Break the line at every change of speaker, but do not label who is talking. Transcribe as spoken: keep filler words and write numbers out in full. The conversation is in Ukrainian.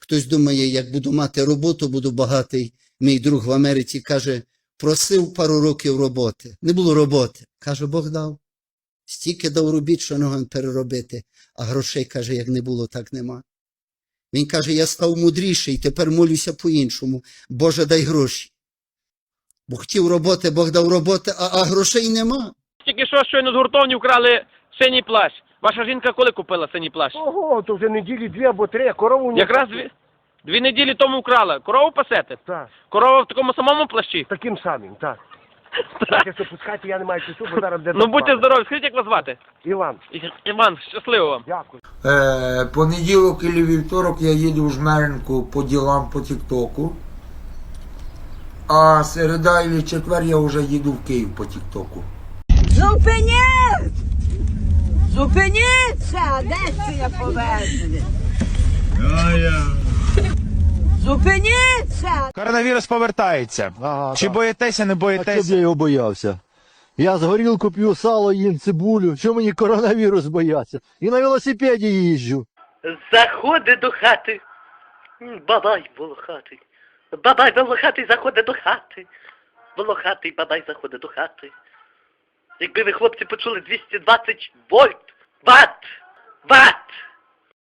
Хтось думає, як буду мати роботу, буду багатий. Мій друг в Америці каже, просив пару років роботи. Не було роботи. Каже, Бог дав. Стільки дав робіт, що ногам переробити. А грошей, каже, як не було, так нема. Він каже, я став мудріший, тепер молюся по-іншому. Боже, дай гроші. Бо хотів роботи, Бог дав роботи, а, а грошей нема.
Тільки що щойно з гуртовні вкрали синій плащ. Ваша жінка коли купила синій плащ?
Ого, то вже неділі дві або три, корову не...
Якраз дві, дві неділі тому вкрала. Корову пасете?
Так,
Корова в такому самому плащі?
таким самим, так. Так, якщо пускати, я не маю часу, бо зараз де...
Ну будьте здорові, скажіть, як вас звати?
Іван,
І- Іван, щасливо вам.
дякую.
Е, понеділок і вівторок я їду в Жмеринку по ділам по Тіктоку. А середа і четвер я вже їду в Київ по Тіктоку.
Зупиніть! Зупиніться! Де це я повезли? Зупиніться!
Коронавірус повертається.
Ага,
Чи
так.
боїтеся, не
А щоб я
боїтеся?
його боявся? Я з горілку п'ю, сало їм, цибулю. Що мені коронавірус бояться? І на велосипеді їжджу.
Заходить до хати. М, Бабай волохатий. Бабай волохатий заходить до хати. Волохатий бабай заходить до хати. Якби ви, хлопці, почули двісті двадцять вольт, ват, ват,